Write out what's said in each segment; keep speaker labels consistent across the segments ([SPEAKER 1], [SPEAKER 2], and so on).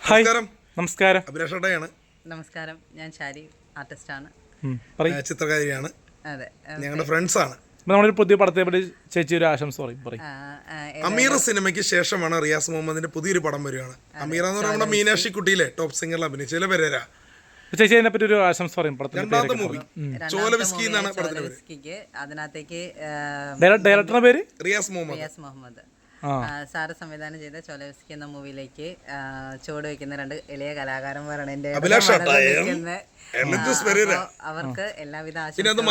[SPEAKER 1] Hi നമസ്കാരം.
[SPEAKER 2] അഭിലാഷേട്ടയാണ്.
[SPEAKER 3] നമസ്കാരം, ഞാൻ ഷാരി, ആർട്ടിസ്റ്റാണ്,
[SPEAKER 2] ചിത്രകാരിയാണ്.
[SPEAKER 3] അതെ,
[SPEAKER 2] ഞങ്ങളുടെ ഫ്രണ്ട്സ് ആണ്.
[SPEAKER 1] നമ്മളൊരു പുതിയ പടത്തെ പറ്റി ചേച്ചി ഒരു ആശംസ പറയും.
[SPEAKER 2] അമീർ സിനിമയ്ക്ക് ശേഷമാണ് റിയാസ് മുഹമ്മദിന്റെ പുതിയൊരു പടം വരികയാണ്. അമീർ എന്ന് പറയുമ്പോൾ നമ്മുടെ മീനാക്ഷി കുട്ടിയിലെ ടോപ്പ് സിംഗറിൽ അഭിനയിച്ച പേരാ.
[SPEAKER 1] ചേച്ചി അതിനെ പറ്റി ഒരു ആശംസ പറയും.
[SPEAKER 2] രണ്ടാമത്തെ മൂവി ചോലവിസ്കി എന്നാണ് പടത്തിന്റെ പേര്.
[SPEAKER 3] അതിനകത്തേക്ക്
[SPEAKER 1] ഡയറക്ടറുടെ പേര്
[SPEAKER 3] റിയാസ് മുഹമ്മദ് സാറ് സംവിധാനം ചെയ്ത ചോലവിസ്കി എന്ന മൂവിയിലേക്ക് ചുവട് വെക്കുന്ന രണ്ട് ഇളയ കലാകാരന്മാരാണ് എന്റെ അവർക്ക് എല്ലാവിധ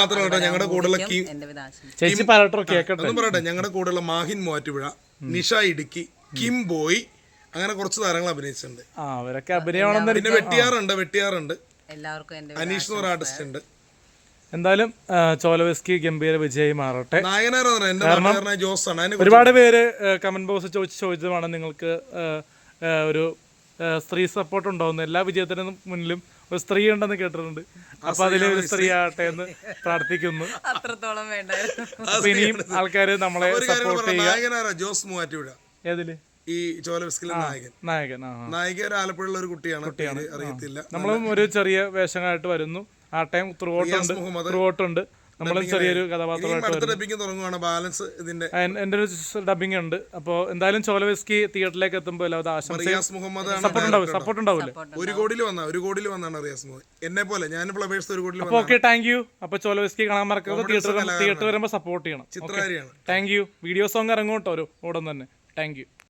[SPEAKER 2] ഞങ്ങളുടെ കൂടെയുള്ള മാഹിൻ മൂവാറ്റുപുഴ, നിഷ ഇടുക്കി, കിം ബോയ്, അങ്ങനെ കുറച്ച് താരങ്ങൾ അഭിനയിച്ചിട്ടുണ്ട്. പിന്നെ വെട്ടിയാറുണ്ട്,
[SPEAKER 3] എല്ലാവർക്കും
[SPEAKER 2] അനീഷ് എന്ന് പറഞ്ഞ ആർട്ടിസ്റ്റ് ഉണ്ട്.
[SPEAKER 1] എന്തായാലും ചോലവിസ്കി ഗംഭീര വിജയ് മാറട്ടെ.
[SPEAKER 2] ജോസാണ്.
[SPEAKER 1] ഒരുപാട് പേര് കമന്റ് ബോക്സ് ചോദിച്ചതാണ് നിങ്ങൾക്ക് ഒരു സ്ത്രീ സപ്പോർട്ട് ഉണ്ടാവുന്നു. എല്ലാ വിജയത്തിനും മുന്നിലും ഒരു സ്ത്രീ ഉണ്ടെന്ന് കേട്ടിട്ടുണ്ട്. അപ്പൊ അതിലെ ഒരു സ്ത്രീ ആകട്ടെ എന്ന് പ്രാർത്ഥിക്കുന്നു.
[SPEAKER 3] അത്രത്തോളം വേണ്ടായിരുന്നു.
[SPEAKER 1] അപ്പൊ ഇനിയും ആൾക്കാര് നമ്മളെ സപ്പോർട്ട്
[SPEAKER 2] ചെയ്യുക. ജോസ് മൂവാറ്റുപുഴ
[SPEAKER 1] ഏതില്
[SPEAKER 2] ഈ ചോലവിസ്കിലെ നായിക ഒരു ആലപ്പുഴയുള്ള ഒരു കുട്ടിയാണ്. അറിയത്തില്ല.
[SPEAKER 1] നമ്മളും ഒരു ചെറിയ വേഷങ്ങളായിട്ട് വരുന്നു. ആ ടൈം ത്രൂഔട്ട് ഉണ്ട്. നമ്മളും ചെറിയൊരു കഥാപാത്രമായിട്ട് എന്റെ ഒരു ഡബിങ് ഉണ്ട്. അപ്പോൾ എന്തായാലും ചോലവിസ്കി തിയേറ്ററിലേക്ക് എത്തുമ്പോൾ സപ്പോർട്ട് ഉണ്ടാവില്ലേ?
[SPEAKER 2] ഒരു കോടിയിൽ വന്നാണ് റിയാസ് മുഹമ്മദ്. എന്നെ പോലെ ഞാൻ ഫ്ലവേഴ്സ് ഒരു കോടിയിൽ.
[SPEAKER 1] Okay, thank you. അപ്പൊ ചോലവിസ്കി കാണാൻ മറക്കരുത്. തിയേറ്റർ വരുമ്പോൾ സപ്പോർട്ട് ചെയ്യണം.
[SPEAKER 2] ചിത്രകാരിയാണ്.
[SPEAKER 1] Thank you. വീഡിയോ സോങ് ഇറങ്ങും കേട്ടോ, ഒരു ഉടൻ തന്നെ. Thank U.